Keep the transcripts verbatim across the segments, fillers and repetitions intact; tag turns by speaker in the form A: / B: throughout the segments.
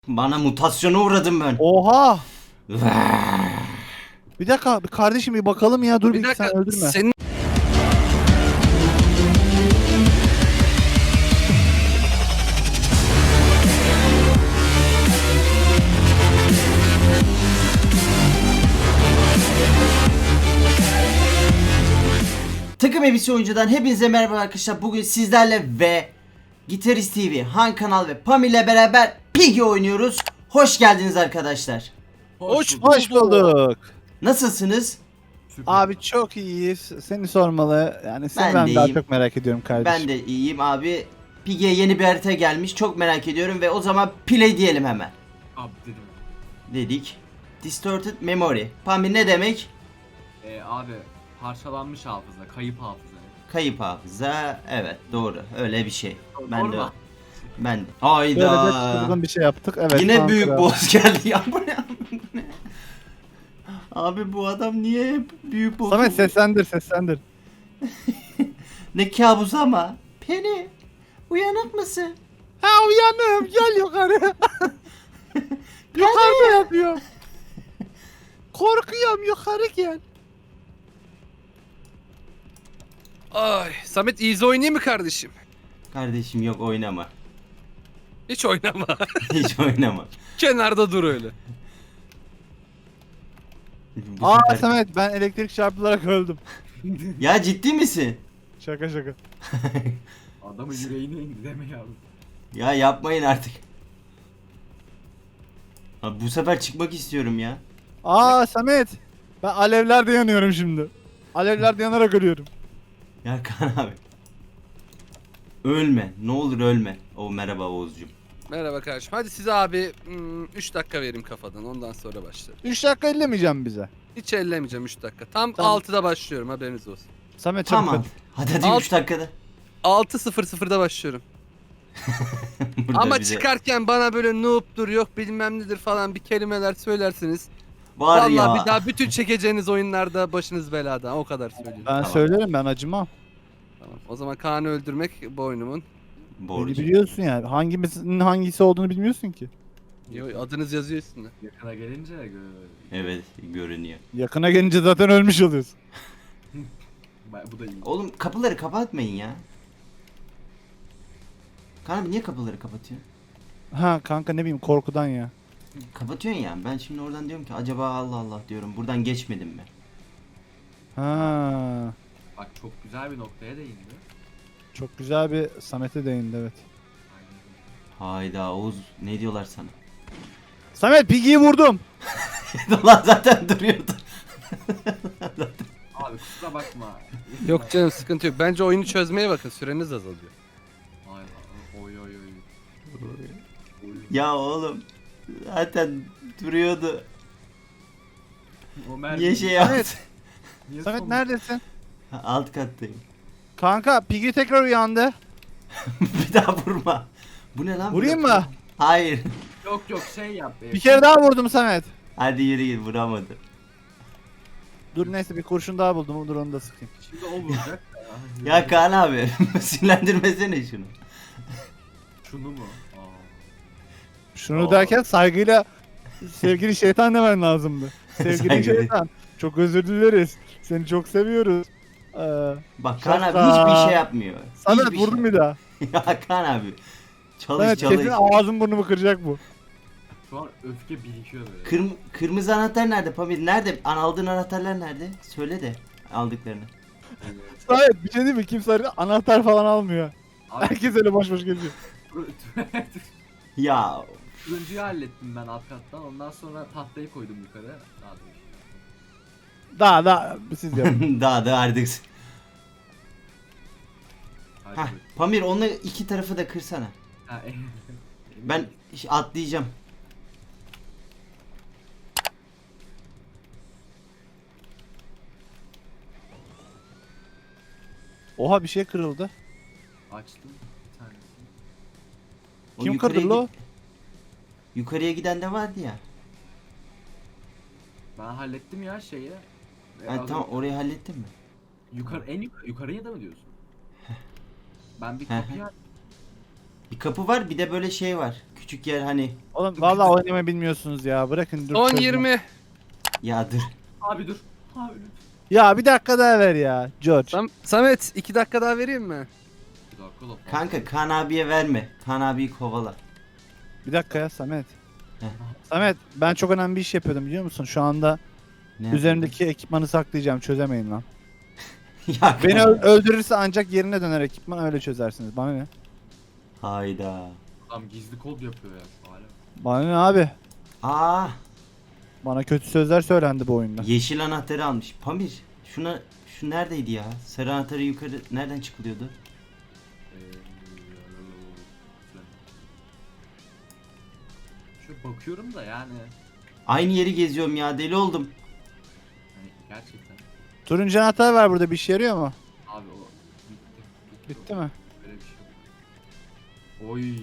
A: Bana mutasyona uğradım ben.
B: Oha! Bir dakika bir kardeşim bir bakalım ya dur bir,
C: Bir dakika
B: sen öldürme.
C: senin
A: Takım Elbise Oyuncu'dan hepinize merhaba arkadaşlar. Bugün sizlerle ve Gitarist T V, Han Kanal ve Pam ile beraber Piggy oynuyoruz. Hoş geldiniz arkadaşlar.
C: hoş
B: Hoş bulduk.
A: Nasılsınız?
B: Abi çok iyiyiz. Seni sormalı. Yani seni
A: Ben
B: ben,
A: de
B: daha
A: iyiyim.
B: çok merak ediyorum kardeşim.
A: Ben de iyiyim abi. Piggy'ye yeni bir harita gelmiş. Çok merak ediyorum ve o zaman play diyelim hemen.
D: Abi dedim.
A: Dedik. Distorted Memory. Pamir ne demek?
D: Ee, abi parçalanmış hafıza, kayıp hafıza.
A: Kayıp hafıza. Evet doğru. Öyle bir şey. Ben
D: Doğru
A: de.
D: mu?
A: Ben de.
B: Böyle de
A: Hayda.
B: çılgın bir şey yaptık. Evet.
A: Yine
B: Ankara.
A: büyük boss geldi ya. Bu ne? Bu ne? Abi bu adam niye hep büyük boss?
B: Samet seslendir seslendir.
A: Ne kabus ama. Penny, uyanık mısın?
B: Ha uyanım gel yukarı. Yukarıda yatıyor. Korkuyorum yukarı gel.
C: Ay Samet easy oynayayım mı kardeşim?
A: Kardeşim yok oynama.
C: Hiç oynama.
A: Hiç oynama.
C: Kenarda dur öyle.
A: Bu
B: Aa
A: sefer-
B: Samet ben elektrik çarpılarak öldüm.
A: Ya ciddi misin?
B: Şaka şaka.
D: Adamın yüreğine indi deme yavrum.
A: Ya yapmayın artık. Abi bu sefer çıkmak istiyorum ya.
B: Aa Samet. Ben alevlerde yanıyorum şimdi. Alevlerde yanarak ölüyorum.
A: Ya Kaan abi. Ölme. Ne olur ölme. O merhaba Oğuzcuğum.
C: Merhaba kardeşim. Hadi size abi üç dakika vereyim kafadan ondan sonra başlarım.
B: üç dakika ellemeyeceğim bize.
C: Hiç ellemeyeceğim üç dakika. Tam
B: Tamam.
C: altıda başlıyorum haberiniz olsun.
B: Samet çabuk
A: Tamam.
B: hadi.
A: Hadi hadi
C: Alt-
A: üç dakikada.
C: altı sıfır sıfırda başlıyorum.
A: Burada
C: Ama
A: bize-
C: çıkarken bana böyle noob'dur yok bilmem nedir falan bir kelimeler söylersiniz.
A: Var
C: Vallahi
A: ya.
C: bir daha bütün çekeceğiniz oyunlarda başınız belada o kadar söylüyorum.
B: Ben
A: Tamam.
B: söylerim ben acımam.
C: Tamam. O zaman Kaan'ı öldürmek boynumun.
B: Beni
A: Borcu.
B: biliyorsun yani. Hangimizin hangisi olduğunu bilmiyorsun ki.
C: Yo, adınız yazıyor üstünde.
D: Yakına gelince gö-
A: Evet görünüyor.
B: Yakına gelince zaten ölmüş oluyorsun.
D: Ben- bu da iyi.
A: Oğlum kapıları kapatmayın ya. Kaan abi niye kapıları kapatıyor?
B: Ha kanka ne bileyim korkudan ya.
A: Kapatıyorsun ya. Ben şimdi oradan diyorum ki acaba Allah Allah diyorum. Buradan geçmedim mi?
B: Ha.
D: Bak çok güzel bir noktaya değindi.
B: Çok güzel bir Samet'e değindi evet.
D: Aynen.
A: Hayda Oğuz ne diyorlar sana?
B: Samet Piggy'yi vurdum.
A: Lan zaten duruyordu.
D: Abi kusura bakma.
C: Yok canım sıkıntı yok. Bence oyunu çözmeye bakın süreniz azalıyor.
D: Ay, oy oy oy. Oy.
A: Ya oğlum zaten duruyordu.
D: O mermi-
A: Niye şey yaptı?
B: Evet.
D: Niye
B: Samet
D: son-
B: neredesin?
A: Alt kattayım.
B: Kanka Piggy tekrar uyandı.
A: Bir daha vurma. Bu ne lan?
B: Vurayım
A: Bu ne?
B: mı?
A: Hayır.
D: Yok yok şey yap. e,
B: Bir kere daha vurdum Samet.
A: Hadi yürü git vuramadı.
B: Dur neyse bir kurşun daha buldum. Dur onu da sıkayım.
D: Şimdi o vuracak.
A: Ya Kaan abi sinirlendirmesene şunu.
D: Şunu mu? Aa.
B: Şunu
A: Oo.
B: derken saygıyla sevgili şeytan demen lazımdı. Sevgili
A: Saygılı.
B: şeytan. Çok özür dileriz. Seni çok seviyoruz. Ee,
A: Bak Kaan abi
B: Şaka.
A: hiçbir şey yapmıyor.
B: Samet
A: Hiçbir
B: vurdum
A: şey.
B: bir daha.
A: Ya Kaan abi. Çalış
B: Samet
A: çalış.
B: kesin ağzım burnumu kıracak bu.
D: Şu an öfke birikiyor böyle.
A: Kırm kırmızı anahtar nerede Pamir? Nerede? An aldığın anahtarlar nerede? Söyle de aldıklarını.
B: Samet bir şey değil mi? Kimse öyle anahtar falan almıyor.
D: Abi,
B: Herkes öyle boş boş geziyor.
A: Ya
D: turuncuyu hallettim ben alt kattan. Ondan sonra tahtayı koydum yukarı. Daha da
B: Daha daha siz yapın.
A: daha da artık.
D: Hadi
A: Hah
D: buyur.
A: Pamir onu iki tarafı da kırsana.
D: Ha, e-
A: Ben ş- atlayacağım.
B: Oha bir şey kırıldı.
D: açtım bir tanesini.
A: O
B: Kim
A: yukarıya
B: kırdı lo?
A: gi- Yukarıya giden de vardı ya.
D: Ben hallettim ya şeyi. E,
A: Ha,
D: az
A: tamam
D: önce-
A: orayı hallettin mi?
D: Yukarı en yukarı yukarıya da mı diyorsun? Ben bir
A: Hı hı.
D: kapıyı
A: Bir kapı var, bir de böyle şey var. Küçük yer hani.
B: Oğlum vallahi oynamayı bilmiyorsunuz ya. Bırakın dur.
C: on
B: çözüm.
C: yirmi.
A: Ya dur.
D: Abi dur. Abi lütfen.
B: Ya bir dakika daha ver ya George.
C: Sam Samet iki dakika daha vereyim mi?
D: Bir dakika da fazla.
A: Kanka Kaan abiye verme. Kaan abiyi kovala.
B: Bir dakika ya Samet.
A: Heh.
B: Samet ben çok önemli bir iş yapıyordum biliyor musun? Şu anda
A: Ne
B: üzerimdeki ekipmanı saklayacağım. Çözemeyin lan.
A: yapayım? Ya
B: Beni
A: kanka.
B: ö- öldürürse ancak yerine döner ekipman öyle çözersiniz. Bana ne?
A: Hayda.
D: Adam gizli kod yapıyor ya şu hala.
B: Bana ne abi?
A: Aa,
B: Bana kötü sözler söylendi bu oyunda.
A: yeşil anahtarı almış. Pamir, şuna şu neredeydi ya? Sarı anahtarı yukarı nereden çıkılıyordu?
D: Ee, Şu bakıyorum da yani.
A: Aynı yeri geziyorum ya, deli oldum.
D: Hani gerçekten.
B: Turuncu anahtar var burada bir işe yarıyor mu?
D: Abi o bitti.
B: Bitti mi?
D: Böyle bir şey yok. Oy.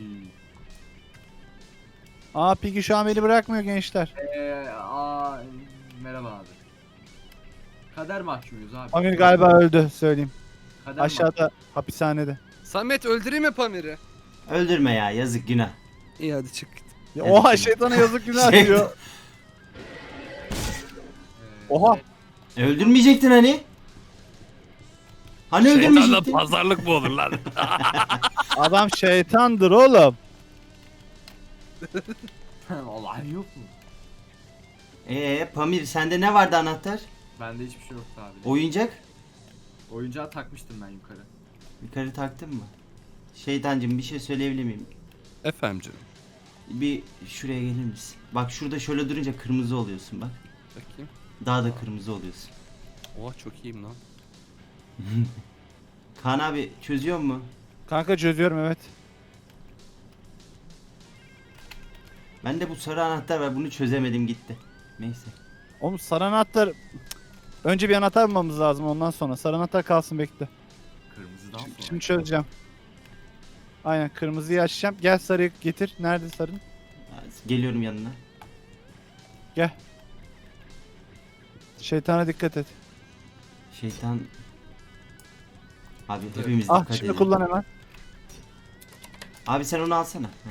B: Aa Piggy şu an beni bırakmıyor gençler.
D: Eee aa merhaba abi. Kader mahkumuyuz abi.
B: Amir galiba öldü söyleyeyim.
D: Kader
B: Aşağıda hapishanede.
C: Samet öldüreyim mi Pamir'i?
A: Öldürme ya, yazık, günah.
C: İyi hadi çık.
B: Ya,
A: Evet.
B: oha şeytana yazık günah
A: Şey-
B: diyor.
D: mahkum- Eee,
B: Oha.
A: Öldürmeyecektin hani? Hani öldürmeyecektin?
C: pazarlık mı olur lan?
B: Adam şeytandır oğlum.
D: Vallahi yok mu?
A: Ee, Pamir sende ne vardı anahtar?
D: Bende hiçbir şey yoktu abi.
A: Oyuncak?
D: Oyuncağı takmıştım ben yukarı.
A: Yukarı taktın mı? Şeytancım bir şey söyleyebilir miyim?
C: Efendim canım.
A: Bir şuraya gelir misin? Bak şurada şöyle durunca kırmızı oluyorsun bak.
C: Bakayım.
A: Daha da kırmızı oluyorsun.
C: Oha çok iyiyim lan.
A: Kaan abi çözüyor mu?
B: Kanka çözüyorum evet.
A: Ben de bu sarı anahtar var, bunu çözemedim gitti. Neyse.
B: Oğlum sarı anahtar... Önce bir anahtar bulmamız lazım ondan sonra. Sarı anahtar kalsın bekle.
D: Kırmızıdan sonra.
B: Şimdi çözeceğim. Aynen kırmızıyı açacağım. Gel sarıyı getir. Nerede sarın?
A: Geliyorum yanına.
B: Gel. Şeytana dikkat et.
A: Şeytan... Abi hepimiz
B: Ah
A: dikkat
B: şimdi
A: edelim.
B: kullan hemen.
A: Abi sen onu alsana. Heh.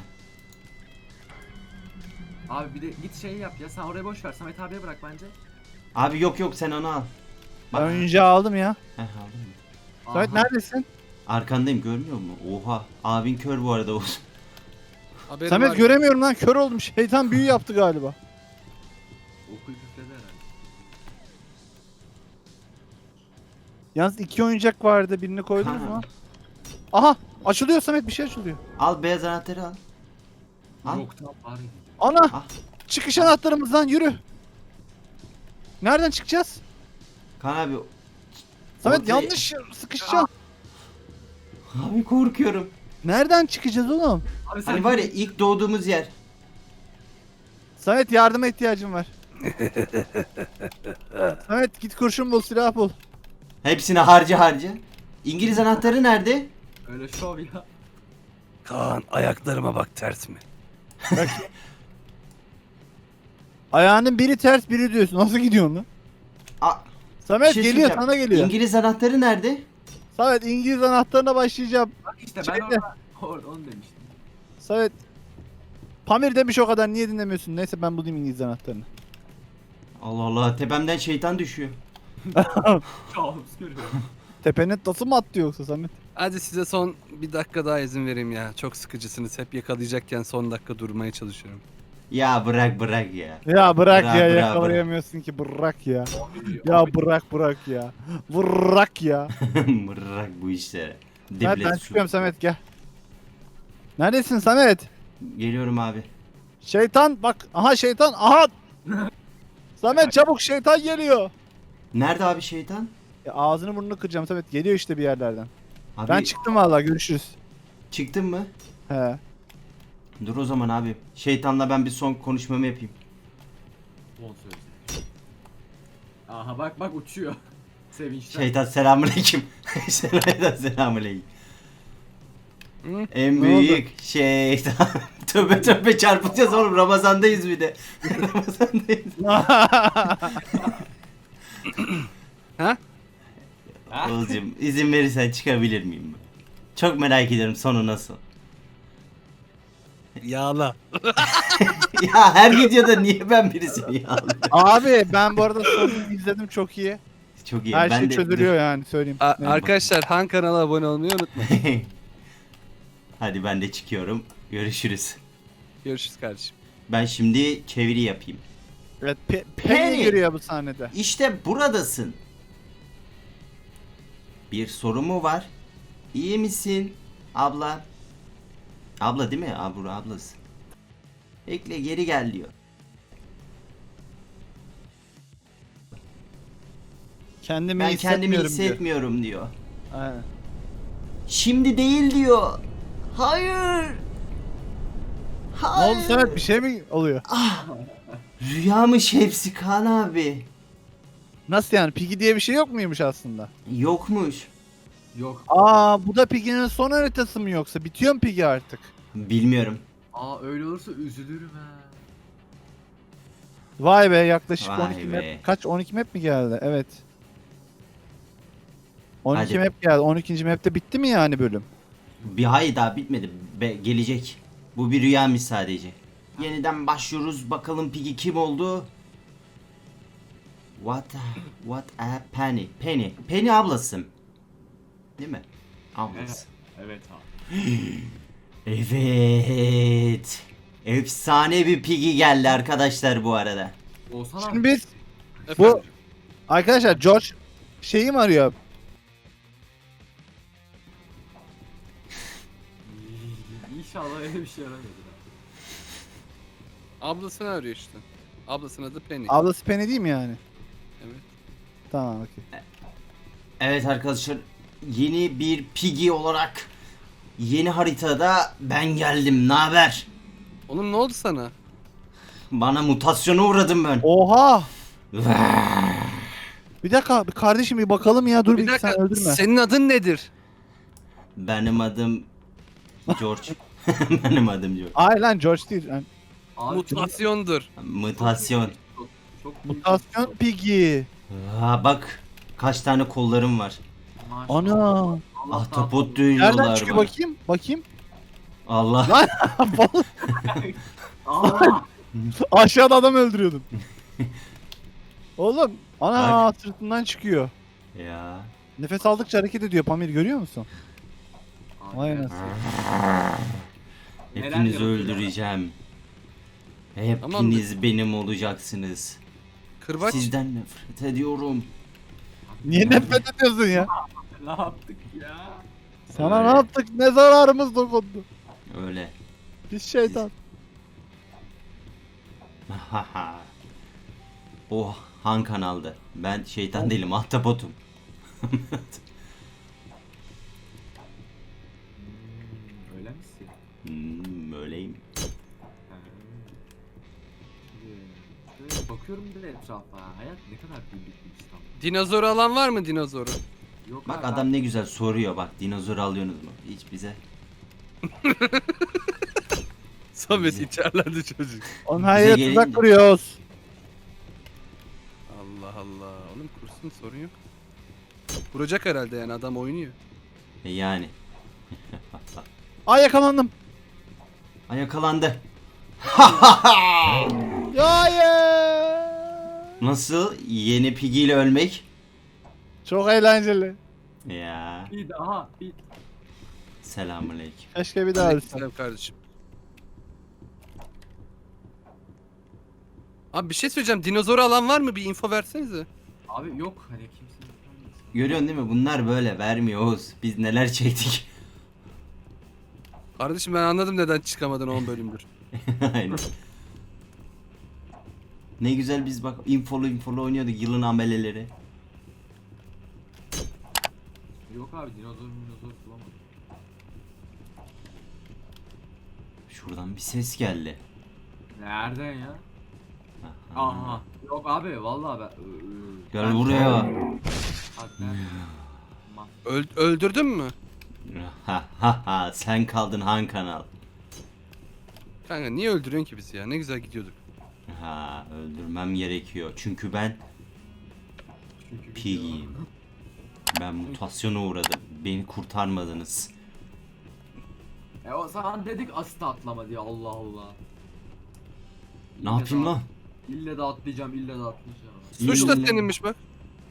D: Abi bir de git şey yap ya sen oraya boş ver Samet abiye bırak bence.
A: Abi yok yok sen onu al.
B: Ben oyuncağı aldım ya.
A: Heh, aldın mı?
B: Samet
D: Aha.
B: neredesin?
A: Arkandayım, görmüyor musun? Oha. Abin kör bu arada Oğuz.
C: Haberim
B: Samet
C: var.
B: göremiyorum lan kör oldum. Şeytan büyü yaptı galiba.
D: Okuyu küfledi herhalde.
B: Yalnız iki oyuncak vardı. Birini koydunuz
A: Ha.
B: mu? Aha açılıyor Samet bir şey açılıyor.
A: Al beyaz anahtarı al. Al.
D: Yok tam bari.
B: Ana
A: Ah.
B: çıkış anahtarımızdan yürü. Nereden çıkacağız?
A: Kaan abi.
B: Samet
A: Ortaya-
B: yanlış sıkışacağım.
A: Abi korkuyorum.
B: Nereden çıkacağız oğlum?
D: Abi sen
A: Hani var ya ilk doğduğumuz yer.
B: Samet yardıma ihtiyacım var. Samet git kurşun bul silah bul.
A: Hepsini harca harca. İngiliz anahtarı nerede?
D: öyle şov ya.
C: Kaan ayaklarıma bak ters mi?
B: Ayağının biri ters biri diyorsun. Nasıl gidiyorsun lan?
A: Aa,
B: Samet
A: bir şey
B: geliyor
A: söyleyeceğim.
B: sana geliyor.
A: İngiliz anahtarı nerede?
B: Samet İngiliz anahtarına başlayacağım.
D: Bak işte ben
B: Şeyde.
D: orada orada onu demiştim.
B: Samet Pamir demiş o kadar niye dinlemiyorsun? Neyse ben bulayım İngiliz anahtarını.
A: Allah Allah, tepemden şeytan düşüyor.
D: Kabus görüyorum.
B: Tepenin tası mı attı yoksa Samet?
C: Hadi size son bir dakika daha izin vereyim ya. Çok sıkıcısınız. Hep yakalayacakken son dakika durmaya çalışıyorum.
A: Ya bırak bırak ya.
B: Ya bırak
A: Bırak,
B: ya
A: bırak,
B: yakalayamıyorsun ki bırak ya.
D: Abi,
B: Ya
D: abi,
B: bırak bırak ya. Bırak ya.
A: Bırak bu işleri.
B: Samet
A: Diblet
B: ben
A: su.
B: çıkıyorum Samet gel. Neredesin Samet?
A: Geliyorum abi.
B: Şeytan bak aha şeytan aha. Samet çabuk şeytan geliyor.
A: Nerede abi şeytan?
B: Ya ağzını burnunu kıracağım Samet geliyor işte bir yerlerden.
A: Abi
B: Ben çıktım vallahi görüşürüz.
A: çıktın mı?
B: He.
A: Dur o zaman abi. Şeytanla ben bir son konuşmamı yapayım.
D: son sözler. Aha bak bak uçuyor. Sevinçten.
A: Şeytan selamünaleyküm. Şeytan selamünaleyküm.
C: Hı?
A: En
B: Ne
A: büyük şeytan. Tövbe tövbe çarpacağız oğlum, Ramazandayız bir de. Ramazandayız.
C: Ha?
A: Oğuzcum izin verirsen çıkabilir miyim? Çok merak ediyorum sonu nasıl.
C: Yağla.
A: Ya her videoda niye ben birisini yağlıyorum?
B: Abi ben bu arada sonunu izledim çok iyi.
A: Çok iyi.
B: Her
A: ben
B: şey
A: de,
B: çözülüyor yani söyleyeyim.
C: A-
B: Evet.
C: arkadaşlar Han kanala abone olmayı unutmayın.
A: Dur. Hadi ben de çıkıyorum. Görüşürüz.
C: Görüşürüz kardeşim.
A: Ben şimdi çeviri yapayım.
B: Evet, Pe
A: Penny.
B: Penny giriyor bu sahnede.
A: İşte buradasın. Bir soru mu var? İyi misin abla? Abla değil mi? Abla ablası. Bekle geri gel diyor.
B: Kendimi
A: Ben kendimi
B: hissetmiyorum diyor.
A: hissetmiyorum diyor.
B: Aynen.
A: Şimdi değil diyor. Hayır.
B: Ne
A: Hayır.
B: oldu Samet, bir şey mi oluyor?
A: Rüyamış hepsi Kaan abi.
B: Nasıl yani? Piggy diye bir şey yok muymuş aslında?
A: Yokmuş.
D: Yok.
B: Aa, bu da Piggy'nin son haritası mı yoksa? Bitiyor mu Piggy artık?
A: Bilmiyorum.
D: Aa öyle olursa üzülürüm ha.
B: Vay be, yaklaşık
A: Vay
B: on iki
A: be.
B: map. Kaç? on iki map mi geldi? Evet. on iki
A: Hadi.
B: map geldi. on ikinci map'te bitti mi yani bölüm?
A: Bir hayır daha bitmedi. Be- gelecek. Bu bir rüyamış sadece. Yeniden başlıyoruz. Bakalım Piggy kim oldu? What a, what a Penny. Penny. Penny ablası. Değil mi? Ablası.
D: Evet abi.
A: Evet. Efsane bir Piggy geldi arkadaşlar bu arada.
D: Olsan
B: Şimdi
D: abi.
B: biz
C: Efendim?
B: arkadaşlar George şeyi mi arıyor?
D: İnşallah öyle bir şey yaramadı.
C: Ablasını arıyor işte. Ablasının adı Penny.
B: Ablası Penny değil mi yani?
C: Evet.
B: Tamam, okey.
A: Evet arkadaşlar. Yeni bir Piggy olarak yeni haritada ben geldim. Ne haber?
C: Oğlum ne oldu sana?
A: Bana mutasyona uğradım ben.
B: Oha! Bir dakika bir kardeşim, bir bakalım ya, dur bir,
C: Bir dakika.
B: sen öldürme.
C: Senin adın nedir?
A: Benim adım George. Benim adım George.
B: Ay lan, George değil. Yani
D: Abi
C: Mutasyondur.
A: Mutasyon.
D: Çok, çok büyük-
B: mutasyon Piggy.
A: Aa, bak kaç tane kollarım var.
D: Maşallah.
B: Ana.
D: Allah
A: Ahtapot
D: tahtını-
B: Nereden
A: diyorlar
B: çıkıyor
A: bana.
B: bakayım? Bakayım.
A: Allah.
B: Lan
D: Aa!
B: aşağıda adam öldürüyordum. Oğlum, ana sırtından çıkıyor.
A: Ya.
B: Nefes aldıkça hareket ediyor Pamir, görüyor musun?
D: Abi,
B: Vay
D: evet.
B: anasını.
D: Neler
A: Hepinizi
D: yapıyor?
A: öldüreceğim. Hepiniz benim olacaksınız.
C: Kırbaç.
A: Sizden nefret ediyorum.
B: Niye nefret ediyorsun ya?
D: Ne yaptık ya?
B: Sana
A: Öyle.
B: ne yaptık? Ne zararımız dokundu?
A: Öyle.
B: Biz şeytan.
A: Oh, Han kanaldı. Ben şeytan değilim, ahtapotum.
D: Hmm, öyle misin?
A: Hmm, öyleyim.
D: Ha. Şimdi şöyle bakıyorum bir de etrafa. Hayat ne kadar büyük bir İstanbul.
C: Dinozoru alan var mı dinozoru?
D: Yok
A: Bak
D: abi,
A: adam ne güzel soruyor, bak dinozor alıyorsunuz mu? Hiç bize.
C: Samet
A: Bize-
C: içerlendi çocuk.
B: Onun her yere
A: gelince-
B: tuzak kuruyoruz.
C: Allah Allah. Oğlum kursun sorun yok. Vuracak herhalde yani adam oynuyor.
A: E yani.
B: Ay, yakalandım.
A: Ay yakalandı.
B: Hayır.
A: Nasıl? Yeni Piggy ile ölmek?
B: Çok eğlenceli.
A: Ya.
D: Bir daha bir
A: Selamünaleyküm.
B: Keşke bir daha ölsem.
C: Selam kardeşim. Abi bir şey söyleyeceğim. Dinozoru alan var mı? Bir info versenize.
D: abi yok hani kimse yapamaz.
A: Görüyorsun değil mi? Bunlar böyle vermiyor Oğuz. Biz neler çektik.
C: Kardeşim ben anladım neden çıkamadın on bölümdür.
A: Aynen. Ne güzel biz bak infolu infolu oynuyorduk yılın ameleleri.
D: Yok abi dinozor dinozor bulamadım.
A: Şuradan bir ses geldi.
D: Nereden ya?
A: Aha.
D: Aha. Yok abi vallahi ben. Ö- ö-
A: Gel
D: ben-
A: buraya.
D: Abi ben- Ma-
C: Öl- öldürdün mü?
A: Ha ha ha sen kaldın Han kanal.
C: Kanka niye öldürüyorsun ki bizi ya? Ne güzel gidiyorduk.
A: Ha öldürmem gerekiyor. Çünkü ben
D: Çünkü
A: Piggy'yim. Ben mutasyona uğradım. Beni kurtarmadınız.
D: E o zaman dedik asit atlama diye, Allah Allah.
A: Ne yapayım lan?
D: İlle de atlayacağım, ille de atlayacağım.
C: Suç da
A: İyi.
C: seninmiş bak.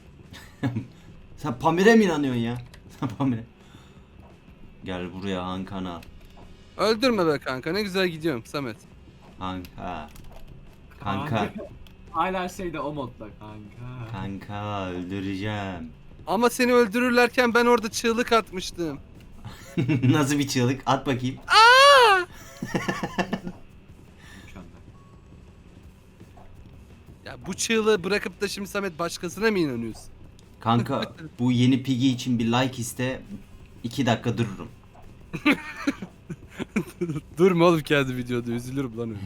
A: Sen Pamir'e mi inanıyorsun ya? Sen Pamir'e. Gel buraya Han Kanal.
C: Öldürme be kanka, ne güzel gidiyorum Samet.
A: Kanka. Kanka.
D: Hala şeyde o modda kanka.
A: Kanka öldüreceğim.
C: Ama seni öldürürlerken ben orada çığlık atmıştım.
A: Nasıl bir çığlık? At bakayım.
D: Mükemmel.
C: Ya bu çığlığı bırakıp da şimdi Samet başkasına mı inanıyorsun?
A: Kanka bu yeni Piggy için bir like iste. iki dakika dururum.
C: Durma oğlum kendi videoda, üzülürüm lan öyle.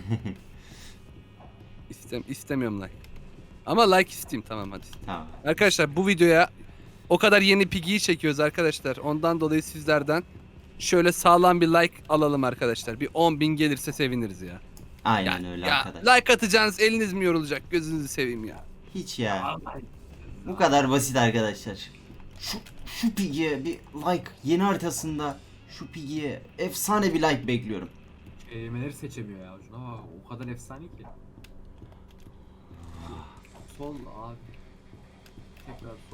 C: İstem istemiyorum like. Ama like isteyeyim, tamam hadi.
A: Tamam.
C: Arkadaşlar bu videoya o kadar yeni Piggy'yi çekiyoruz arkadaşlar. Ondan dolayı sizlerden şöyle sağlam bir like alalım arkadaşlar. Bir on bin gelirse seviniriz ya.
A: Aynen
C: Ya,
A: öyle
C: ya
A: arkadaşlar.
C: like atacağınız eliniz mi yorulacak? Gözünüzü seveyim ya.
A: Hiç ya.
D: Vallahi.
A: Bu kadar basit arkadaşlar. Şu, şu Piggy'ye bir like. Yeni haritasında şu Piggy'ye efsane bir like bekliyorum.
D: Kelimeleri seçemiyor ya. Şuna bak, o kadar efsane ki. Sol abi. Tekrar sol.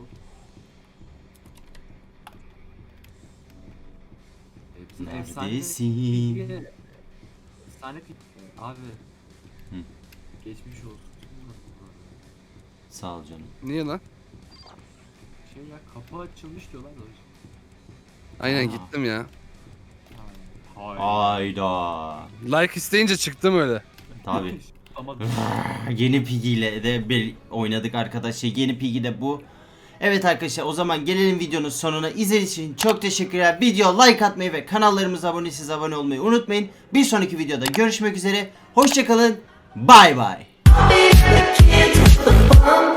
D: Hepsi efsane.
A: Neredesin?
D: Efsane pik. Abi.
A: Hı.
D: Geçmiş olsun.
A: Sağ ol canım.
C: Niye lan?
D: Şey ya, kapı açılmış diyorlar da.
C: Aynen
A: Aa.
C: gittim ya.
D: Hayır.
A: Ayda.
C: Like isteyince çıktım öyle.
A: Tabii.
D: Ama
A: Yeni Piggy ile de bir oynadık arkadaşlar. Yeni Piggy de bu. Evet arkadaşlar, o zaman gelelim videonun sonuna. İzlediğiniz için çok teşekkürler. Video like atmayı ve kanallarımıza abone değilseniz abone olmayı unutmayın. Bir sonraki videoda görüşmek üzere. Hoşçakalın. Bay bay.
E: Can't touch the phone.